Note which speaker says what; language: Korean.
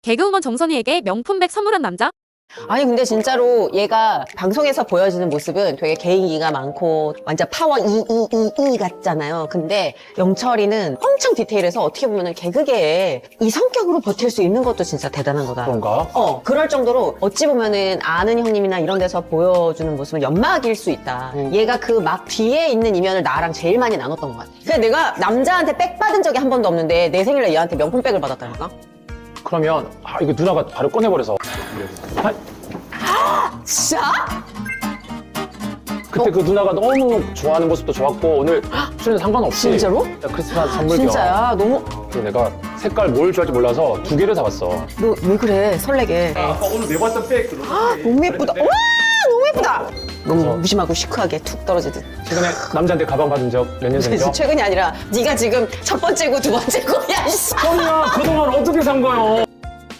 Speaker 1: 개그우먼 정선희에게 명품백 선물한 남자?
Speaker 2: 아니 근데 진짜로 얘가 방송에서 보여지는 모습은 되게 개인기가 많고 완전 파워 이 같잖아요. 근데 영철이는 엄청 디테일해서 어떻게 보면은 개그계에 이 성격으로 버틸 수 있는 것도 진짜 대단한 거다.
Speaker 3: 그런가?
Speaker 2: 그럴 정도로 어찌 보면은 아는 형님이나 이런 데서 보여주는 모습은 연막일 수 있다. 얘가 그 막 뒤에 있는 이면을 나랑 제일 많이 나눴던 것 같아. 근데 내가 남자한테 백 받은 적이 한 번도 없는데 내 생일날 얘한테 명품백을 받았다니까?
Speaker 3: 그러면 이거 누나가 바로 꺼내버려서
Speaker 2: 진짜?
Speaker 3: 그때 그 누나가 너무 좋아하는 모습도 좋았고 오늘 출연 상관없이
Speaker 2: 진짜로?
Speaker 3: 크리스마스 선물
Speaker 2: 진짜야? 너무
Speaker 3: 겸 내가 색깔 뭘 좋아할지 몰라서 2개를 사봤어.
Speaker 2: 너 왜 그래 설레게.
Speaker 3: 아까 오늘 내봤던 백
Speaker 2: 너무 예쁘다. 와 너무 예쁘다. 너무 무심하고 시크하게 툭 떨어지듯.
Speaker 3: 최근에 남자한테 가방 받은 적 몇 년 전이죠?
Speaker 2: 최근이 아니라 네가 지금 첫 번째고 두 번째고 야 씨.
Speaker 3: 언니야 그동안 어떻게 산 거요?